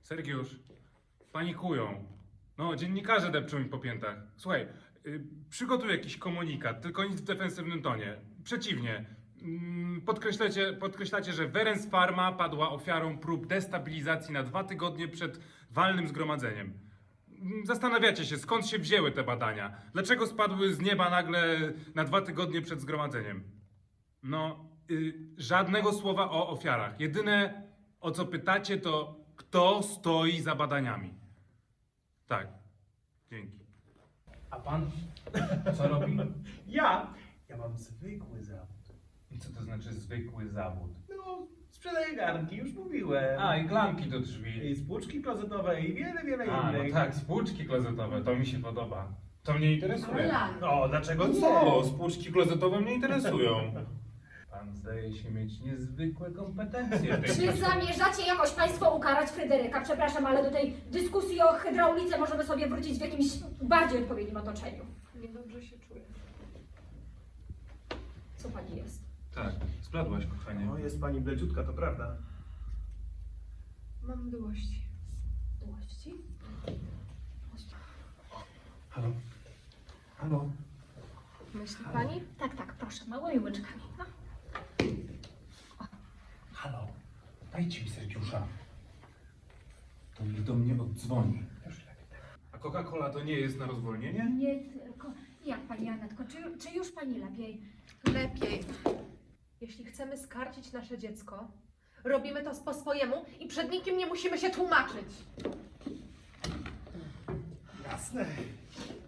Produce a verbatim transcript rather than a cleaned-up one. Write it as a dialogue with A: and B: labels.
A: Sergiusz, panikują. No, dziennikarze depczą mi po piętach. Słuchaj, y, przygotuj jakiś komunikat, tylko nic w defensywnym tonie. Przeciwnie. Mm, Podkreślacie, podkreślacie, że Werens Pharma padła ofiarą prób destabilizacji na dwa tygodnie przed walnym zgromadzeniem. Mm, Zastanawiacie się, skąd się wzięły te badania? Dlaczego spadły z nieba nagle na dwa tygodnie przed zgromadzeniem? No, y, żadnego słowa o ofiarach. Jedyne, o co pytacie, to kto stoi za badaniami. Tak, dzięki. A pan co robi?
B: Ja? Ja mam zwykły zawód.
A: I co to znaczy zwykły zawód?
B: No, sprzedaję garnki, już mówiłem.
A: A, i klamki do drzwi.
B: I spłuczki klozetowe i wiele, wiele
A: A, no
B: innych.
A: tak, spłuczki klozetowe, to mi się podoba. To mnie interesuje.
C: Ale-
A: O, dlaczego co? Spłuczki klozetowe mnie interesują. Pan zdaje się mieć niezwykłe kompetencje w tej
C: Czy
A: kwestii.
C: zamierzacie jakoś Państwo ukarać Fryderyka? Przepraszam, ale do tej dyskusji o hydraulice możemy sobie wrócić w jakimś bardziej odpowiednim otoczeniu.
D: Niedobrze się czuję.
C: Co Pani jest?
A: Tak, zbladłaś, kochanie.
B: No, jest pani bleciutka, to prawda.
D: Mam mdłości.
C: Dłości?
A: Halo? Halo?
D: Myśli pani?
C: Tak, tak, proszę, małymi łyczkami. No.
A: Halo? Dajcie mi Sergiusza. To niech do mnie oddzwoni. A Coca-Cola to nie jest na rozwolnienie?
C: Nie tylko. Jak Pani Anetko, czy, czy już Pani lepiej?
D: Lepiej. Jeśli chcemy skarcić nasze dziecko, robimy to po swojemu i przed nikim nie musimy się tłumaczyć.
B: Jasne.